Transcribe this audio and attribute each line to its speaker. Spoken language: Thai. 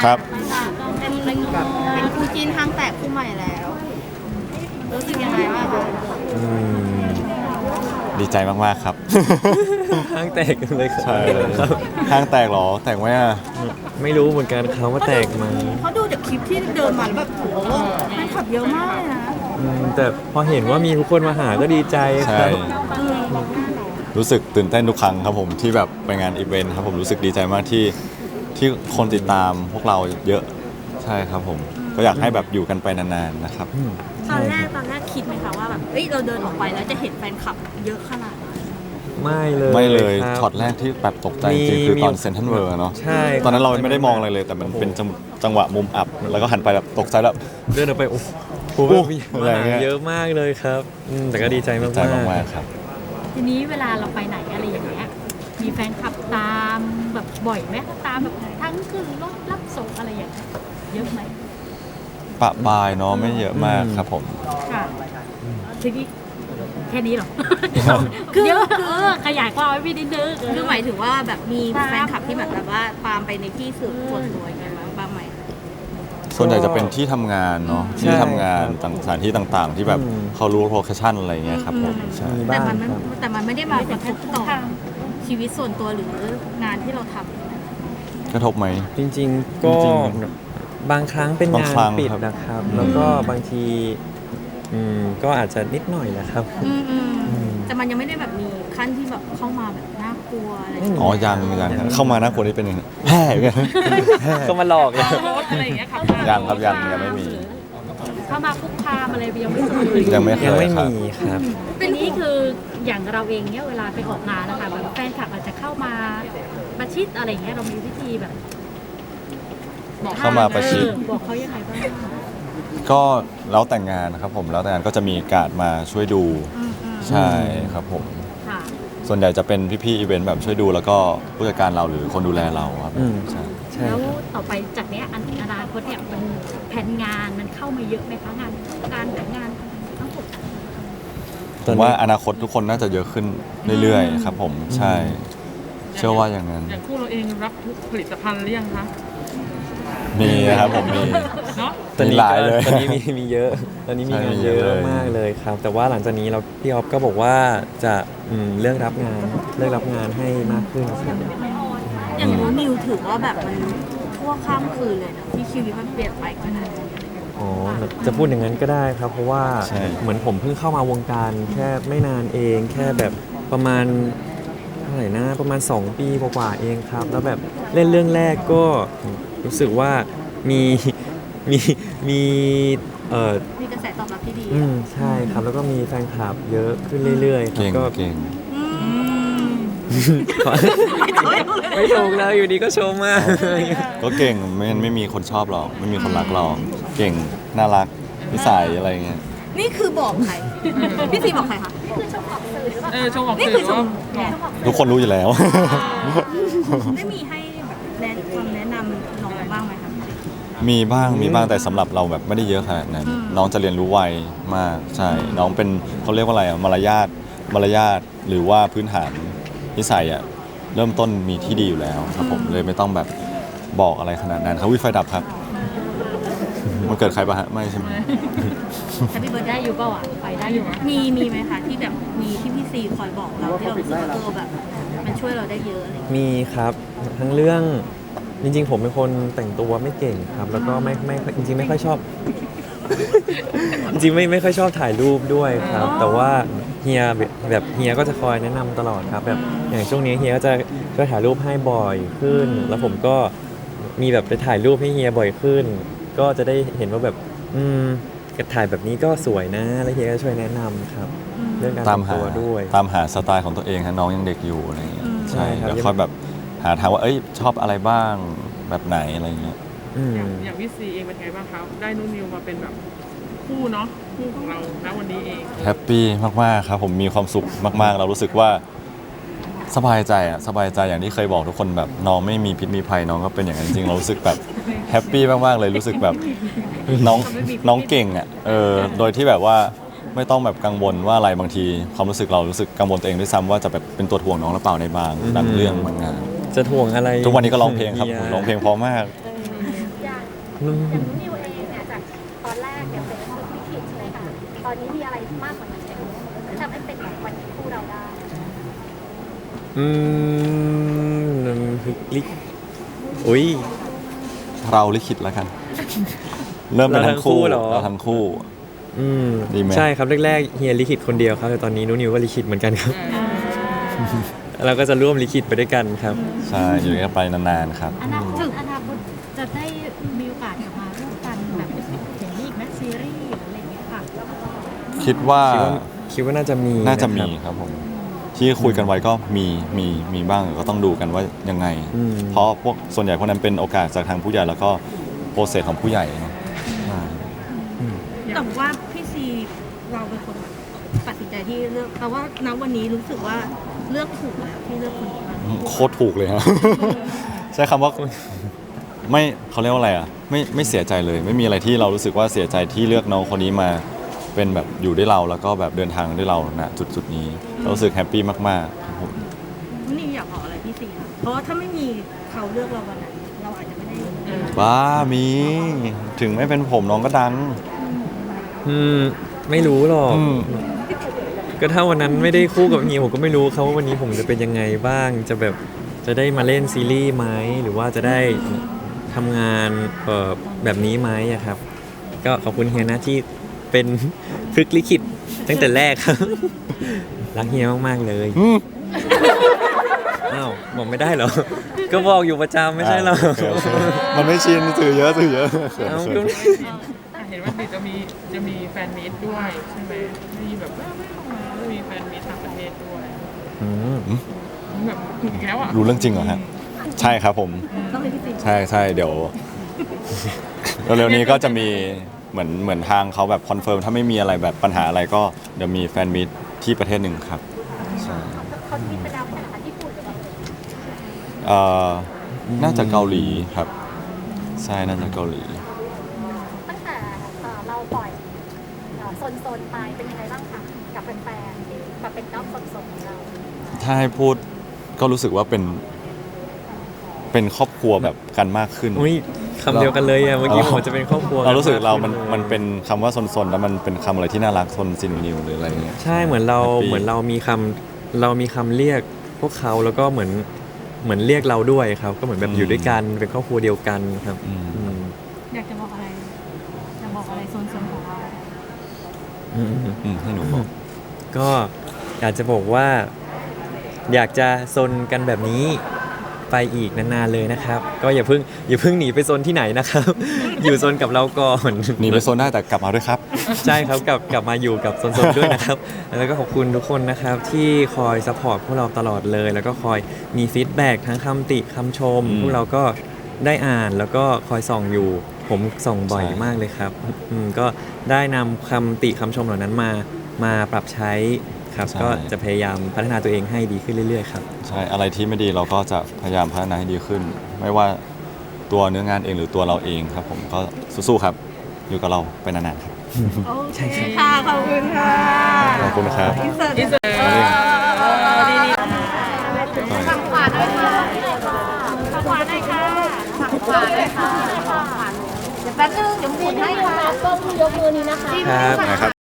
Speaker 1: ครับ
Speaker 2: เป็นคู่จีนทางแตกคู่ใหม่แล้วรู้สึกยังไงบ้างคะ
Speaker 1: อืมดีใจมากๆครับ
Speaker 3: ห้างแตกกันเลย
Speaker 1: ใช่
Speaker 3: ครับ
Speaker 1: ห้างแตกเหรอแตกไหมอ่ะ
Speaker 3: ไม่รู้เหมือนกันเขาว่าแตกไหม
Speaker 2: เขาดูจากคลิปที่เดินมาแล้วแบบโหแฟนคลับเยอะมากเลยนะ
Speaker 3: แต่พอเห็นว่ามีทุกคนมาหาก็ดีใจค
Speaker 1: ใช่
Speaker 3: รับ
Speaker 1: รู้สึกตื่นเต้นทุกครั้งครับผมที่แบบไปงานอีเวนต์ครับผมรู้สึกดีใจมากที่คนติดตามพวกเราเยอะใช่ครับผมก็อยากให้แบบอยู่กันไปนานๆนะครับ
Speaker 2: ตอนแรกคิดไหมคะว่าแบบเอ้ยเราเดินออกไปแล้วจะเห็นแฟนคลับเยอะขนาดนั้น
Speaker 3: ไม่เลย
Speaker 1: ไม่เลย
Speaker 3: ครับ
Speaker 1: ช็อตแรกที่แบบตกใจจริงๆคือตอน
Speaker 3: มี
Speaker 1: เซนทรัลเวิร์เนาะ
Speaker 3: ใช่
Speaker 1: ตอนนั้นเราไม่ได้มองอะไรเลย แต่มันเป็นจังหวะมุมอับ แล้วก็หันไปแบบตกใจแบบ
Speaker 3: เดินออกไปโอ้โห
Speaker 1: อะไรเงี้ย
Speaker 3: เยอะมากเลยครับแต่ก็ดีใจมาก
Speaker 1: ใจมากๆครับ
Speaker 4: ทีนี้เวลาเราไปไหนอะไรอย่างเงี้ย มีแฟนคลับตามแบบบ่อยไหมตามแบบทั้งขึ้นรถรับส่งอะไรอย่างเงี้ยเยอะไหม
Speaker 1: ปะปายเนาะไม่เยอะมากครับผม
Speaker 4: ค่ะทีนี้แค่นี้เหรอ คือเยอะขยายความไว้พี่นิดนึง
Speaker 2: คือหมายถึงว่าแบบมีแฟนคลับที่แบบว่าตามไปในที่ส่วนตัวยังไงบ้างไหม
Speaker 1: ส่วนใหญ่จะเป็นที่ทำงานเนาะที่ทำงานสถานที่ต่างๆ ที่แบบเขารู้โลเคชั่นอะไรเงี้ยครับผมใช่
Speaker 3: มี
Speaker 2: แต่
Speaker 3: บ้าง
Speaker 2: มัน
Speaker 3: ครับ
Speaker 2: แต่มันไม่ได้มากระทบต่อชีวิตส่วนตัวหรืองานที่เราทำ
Speaker 1: กระทบไหม
Speaker 3: จริงๆก็
Speaker 1: จริง
Speaker 3: บางครั้งเป็น
Speaker 1: บาง
Speaker 3: งาน
Speaker 1: ครั้ง
Speaker 3: ปิด
Speaker 1: ครับ
Speaker 3: นะครับ แล้วก็บางทีก็อาจจะนิดหน่อยแหละครับ
Speaker 2: แต่มันยังไม่ได้แบบมีขั้นที่แบบเข้ามาแบบน่ากลัวอะไรอย่าง
Speaker 1: อ๋อ
Speaker 2: เงี้ย
Speaker 1: ยังเข้ามาหน้าคนที่เป็นยังไงแห่กัน
Speaker 3: ก็มาหลอกเลย
Speaker 4: รถอะไรอย่างเงี้ยครับ
Speaker 1: ยังครับยังไม่มี
Speaker 4: เข้ามาคุกคามอะไรยังไม่เคย
Speaker 1: ยังไม่เค
Speaker 3: ยัง
Speaker 1: ย
Speaker 3: ไม่
Speaker 1: ครับ
Speaker 3: มีครับ
Speaker 4: ทีนี้คืออย่างเราเองเนี่ยเวลาไปออกงานนะคะแบบแฟนคลับอาจจะเข้ามาประชิดอะไรอย่างเงี้ยเรามีวิธีแบบบอก
Speaker 1: เข้ามาประชิด
Speaker 4: บอกเขายังไงบ้าง
Speaker 1: ก็แล้วแต่งงานนะครับผมแล้วแต่งงานก็จะมีการดมาช่วยดูใช่ครับผม
Speaker 4: ค่ะ
Speaker 1: ส่วนใหญ่จะเป็นพี่ๆอีเวนต์แบบช่วยดูแล้วก็ผู้จัดการเราหรือคนดูแลเราครับ
Speaker 3: อืม
Speaker 1: ใช่
Speaker 3: ใช่
Speaker 4: แล้ว
Speaker 3: ครับ
Speaker 4: ต่อไปจากเนี้ยอนาคตเนี่ยมันแผนงานมันเข้ามาเยอะไหมคะงานการงานทั้งหมด
Speaker 1: ผมว่าอนาคตทุกคนน่าจะเยอะขึ้นเรื่อยๆครับผมใช่ เชื่อว่าอย่างนั้น
Speaker 5: อย่างคู่เราเองรับทุกผลิตภัณฑ์หรือยังคะ
Speaker 1: มีนะครับผมมี
Speaker 5: เนาะ
Speaker 3: ตอนนี้
Speaker 1: มีหลายเลย
Speaker 3: ตอนนี้มีเยอะ ตอนนี้มี
Speaker 1: ใช่
Speaker 3: งาน
Speaker 1: มีเย
Speaker 3: เย
Speaker 1: อะ
Speaker 3: อะ
Speaker 1: เลย
Speaker 3: มากเลยครับ แต่ว่าหลังจากนี้พี่ออฟก็บอกว่าจะเลือกรับงานให้มากขึ้นครับ
Speaker 2: อย่างนู้นนิวถือว่าแบบมันทั่วข้ามคืนเลยนะที่ชีวิตมันเปลี่ยนไปขนาดนี้
Speaker 3: อ๋อจะพูดอย่างนั้นก็ได้ครับ เพราะว่า
Speaker 1: ใช่
Speaker 3: เหมือนผมเพิ่งเข้ามาวงการแค่ไม่นานเอง แค่แบบประมาณเท่าไหร่นะประมาณ 2 ปีกว่าๆเองครับ แล้วแบบเล่นเรื่องแรกก็รู้สึกว่ามีมีมี
Speaker 2: มีกระแสตอบรับที่ดี
Speaker 3: ใช่ครับ แล้วก็มีแฟนคลับเยอะขึ้นเรื่อยๆครั
Speaker 1: เก่ง
Speaker 3: ก็
Speaker 1: เก่ง
Speaker 3: ไม่ถูกแล้วอยู่ดีก็ชมมาก
Speaker 1: ก็เก่งไม่มีคนชอบหรอกไม่มีคนรักหรอกเก่งน่ารักนิสัยอะไรเงี้ย
Speaker 2: นี่คือบอกใคร พี่ซีบอกใครคะ
Speaker 5: ชมออก
Speaker 2: นี่
Speaker 5: สื่
Speaker 2: คือ
Speaker 5: อ
Speaker 2: ช
Speaker 5: ว่าม
Speaker 1: ทุกคนรู้อยู่แล้ว
Speaker 2: ได้มีให้แบบคำแนะนำน้องบ้างไหมคะ
Speaker 1: มีบ้างแต่สำหรับเราแบบไม่ได้เยอะขนาดนั้น น้องจะเรียนรู้ไวมากใช่ น้องเป็นเขาเรียกว่าอะไรอะมารยาทหรือว่าพื้นฐานนิสัยอะเริ่มต้นมีที่ดีอยู่แล้วครับผมเลยไม่ต้องแบบบอกอะไรขนาดนั้นครับวิไฟดับครับมันเกิดใครปะฮะไม่ใช่ไหม
Speaker 4: แฮปปี้เบิร์ดได้อยู่เปล่าอ่ะไปได้อยู่
Speaker 2: มีไหมคะที่แบบมีที่พี่ซีคอยบอกเราที่เรารู้สึกว่าแบบมันช่วยเราได้เยอะอะไรอย่างเงี้ย
Speaker 3: มีครับทั้งเรื่องจริงๆ ผมเป็นคนแต่งตัวไม่เก่งครับ แล้วก็ไม่จริงๆไม่ค่อยชอบ จริงๆไม่ค่อยชอบถ่ายรูปด้วยครับ แต่ว่าเฮียแบบเฮียก็จะคอยแนะนำตลอดครับแบบอย่างช่วงนี้เฮียก็จะช่วยถ่ายรูปให้บ่อยขึ้น แล้วผมก็มีแบบไปถ่ายรูปให้เฮียบ่อยขึ้น ก็จะได้เห็นว่าแบบถ่ายแบบนี้ก็สวยนะแล้วเฮียก็ช่วยแนะนำครับ เรื่องการ
Speaker 1: ตาม
Speaker 3: แต่ง
Speaker 1: หา
Speaker 3: ตัวด้วย
Speaker 1: ตามหาสไตล์ของตัวเองฮะน้องยังเด็กอยู่อะไรเงี้ยใช่
Speaker 3: ใช่ครับ
Speaker 1: เดี๋ยวค่อยแบบหาทางว่าเอ้ยชอบอะไรบ้างแบบไหนอะไรเงี้ย
Speaker 5: อย่างพี่ซีเองเป็นไงบ้างครับได้นุ่นนิวมาเป็นแบบคู่เนาะคู่ของเราณวันนี้เอง
Speaker 1: แฮปปี้มากๆครับผมมีความสุขมากๆ เรารู้สึกว่าสบายใจอย่างที่เคยบอกทุกคนแบบน้องไม่มีพิษมีภัยน้องก็เป็นอย่างนั้นจริงๆเรารู้สึกแบบแฮปปี้มากๆเลยรู้สึกแบบน้องเก่งอ่ะโดยที่แบบว่าไม่ต้องแบบกังวลว่าอะไรบางทีความรู้สึกเรารู้สึกกังวลตัวเองด้วยซ้ำว่าจะแบบเป็นตัวถ่วงน้องหรือเปล่าในบางเรื่องบางงาน
Speaker 3: จะถ่วงอะไร
Speaker 1: ทุกวันนี้ก็ร้องเพลงครับ
Speaker 3: ฮีย
Speaker 1: ร้องเพลงเพราะมาก
Speaker 4: อย่างนิวเองเนี่ยจากตอนแรกเนี่ยเป็นคนลิขิตใช่ไหมคะตอนนี้มีอะไรมากกว่านั้นไหมที่ทำให้เป็นแบบวันนี้คู่เราได้
Speaker 3: ลิอุ้ย
Speaker 1: เราลิขิตแล้วกัน เริ่มเป็นทั้งคู่
Speaker 3: เราทั้งคู่เหรอ
Speaker 1: เราทั้งคู่
Speaker 3: อืม
Speaker 1: ดีไหม
Speaker 3: ใช่ครับแรกๆเฮียลิขิตคนเดียวครับแต่ตอนนี้นุนิวก็ลิขิตเหมือนกันครับ เราก็จะร่วมลิขิตไปด้วยกันครับ
Speaker 1: ใช่อยู่กันไปนานๆครับ
Speaker 4: อนาคตจะได้มีโอกาสกลับมาร่วมกันแบบอย่างนี้อีกไหมซีรีส์หรืออะไรอย่างเงี้ยค่ะ
Speaker 1: คิดว่า
Speaker 3: คิดว่าน่าจะมี
Speaker 1: น่าจะมี
Speaker 3: ครับ
Speaker 1: ครับผม ที่คุยกันไว้ก็มีบ้างก็ต้องดูกันว่ายังไง
Speaker 3: อืม
Speaker 1: เพราะพวกส่วนใหญ่พวกนั้นเป็นโอกาสจากทางผู้ใหญ่แล้วก็โปรเซสของผู้ใหญ่เนอะใช่
Speaker 2: แต่ว่าพี่ซีเราเป็นคนตัดสินใจที่เลือกแต่ว่าณวันนี้รู้สึกว่าเลือกถูกแล้วที่เลือกคนนี้มา
Speaker 1: โคตรถูกเลยฮะ ใช้คำว่าไม่เขาเรียกว่าอะไรอ่ะไม่เสียใจเลย ไม่มีอะไรที่เรารู้สึกว่าเสียใจที่เลือกน้องคนนี้มาเป็นแบบอยู่ด้วยเราแล้วก็แบบเดินทางด้วยเราณจุดนี้เรารู้สึกแฮปปี้มากๆครับผม
Speaker 2: นี่อยากบอกอะไรพี่ซีคะเพราะว่าถ้าไม่มีเขาเลือกเราวันนั้นเราอาจจะไม่ได้
Speaker 1: บ้ามีถึงไม่เป็นผมน้องก็ดัง
Speaker 3: ไม่รู้หรอก
Speaker 1: อืม
Speaker 3: ก็ถ้าวันนั้นไม่ได้คู่กับเฮียผมก็ไม่รู้ครับว่าวันนี้ผมจะเป็นยังไงบ้าง จะแบบจะได้มาเล่นซีรีส์ไหมหรือว่าจะได้ทำงานแบบนี้ไหมอะครับ ก็ขอบคุณเฮียนะที่เป็น พฤกษ์ลิขิตตั้งแต่แรกครับ รักเฮียมากๆเลย
Speaker 1: อืม
Speaker 3: อ้าวบอกไม่ได้เหรอ ก็บอกอยู่ประจำไม่ใช่เหรอ
Speaker 1: โอเคมันไม่ชินสื่อเยอะเขิน
Speaker 3: เอ้า
Speaker 1: เขิ
Speaker 3: ก็
Speaker 1: น
Speaker 5: เห็นว่าดิจะมีแฟนมีตด้วยใช่ไหมมีแบบไม่ออกมาจะมีแฟนมีตต่างประเทศด้วย
Speaker 3: อืม
Speaker 5: แบบอีกแล้วอ่ะ
Speaker 1: รู้เรื่องจริงเหรอฮะใช่ครับผม
Speaker 2: ต้องเป็นพี่ซี
Speaker 1: ใช่เดี๋ยวเร็วๆนี้ก็จะมีเหมือนทางเขาแบบคอนเฟิร์มถ้าไม่มีอะไรแบบปัญหาอะไรก็เดี๋ยวมีแฟนมิตที่ประเทศหนึ่งครับใช่
Speaker 4: เขามีไปแล้วแต่ญี่ปุ่นหรือเปล่า
Speaker 1: เอ่อน่าจะเกาหลีครับ ใช่น่าจะเกาหลี
Speaker 4: ตั้งแต่เราปล่อยโซนไปเป็นยังไงบ้างคะกับแฟนๆที่มาเป็นน้องโซนของเรา
Speaker 1: ถ้าให้พูดก็รู้สึกว่าเป็นครอบครัวแบบกันมากขึ้น
Speaker 3: อุ้ยคำเดียวกันเลยอะเมื่อกี้ผมจะเป็นครอบครัว
Speaker 1: เรารู้สึกเรา
Speaker 3: ขึ้
Speaker 1: มันเป็นคำว่าซนๆแล้วมันเป็นคำอะไรที่น่ารักซนซินนิวหรืออะไรเงี้ย
Speaker 3: ใช่เหมือนเรา
Speaker 1: Happy
Speaker 3: เหมือนเรามีคำเรียกพวกเขาแล้วก็เหมือนเรียกเราด้วยครับ ก็เหมือนแบบอยู่ด้วยกันเป็นครอบครัวเดียวกันครับ
Speaker 1: อืม
Speaker 3: อืม
Speaker 2: อยากจะบอกอะไรจะบอกอะไรโซนของเรา
Speaker 3: อืม
Speaker 1: ให้หนูบอก
Speaker 3: ก็อยากจะบอกว่า อยากจะซนกันแบบนี้ไปอีกนานๆเลยนะครับ ก็อย่าเพิ่งหนีไปซนที่ไหนนะครับ อยู่ซนกับเราก่อน
Speaker 1: หนีไปโซนได้แต่กลับมาด้วยครับ
Speaker 3: ใช่ครับกลับมาอยู่กับโซนๆด้วยนะครับ แล้วก็ขอบคุณทุกคนนะครับ ที่คอยซัพพอร์ตพวกเราตลอดเลย แล้วก็คอยมีฟีดแบ็กทั้งคำติคำชม
Speaker 1: อืม
Speaker 3: พวกเราก็ได้อ่านแล้วก็คอยส่องอยู่ ผมส่องบ่อย
Speaker 1: ใช่
Speaker 3: มากเลยครับก็ได้นำคำติคำชมเหล่านั้นมาปรับใช้ครับ ก็จะพยายามพัฒนาตัวเองให้ดีขึ้นเรื่อยๆครับ
Speaker 1: ใช่อะไรที่ไม่ดีเราก็จะพยายามพัฒนาให้ดีขึ้น ไม่ว่าตัวเนื้องานเองหรือตัวเราเองครับ ผมก็สู้ๆครับ อยู่กับเราไปนานๆครับ
Speaker 2: โอเคค่ะ ขอบคุณค่ะ
Speaker 1: ขอบคุณครับ
Speaker 2: อินเสิร์ต
Speaker 5: อินเสิร์ต
Speaker 2: ดี
Speaker 4: ฝั่งขวาด้วยค่ะฝั่งขวาด้วยค่ะฝั่งขวาด้วยค่ะเดี๋ยวแป๊บนึงเดี๋ยวหมุนให้ค่ะกล้องยกมือนี้นะคะ
Speaker 3: ครับ
Speaker 1: นะครับ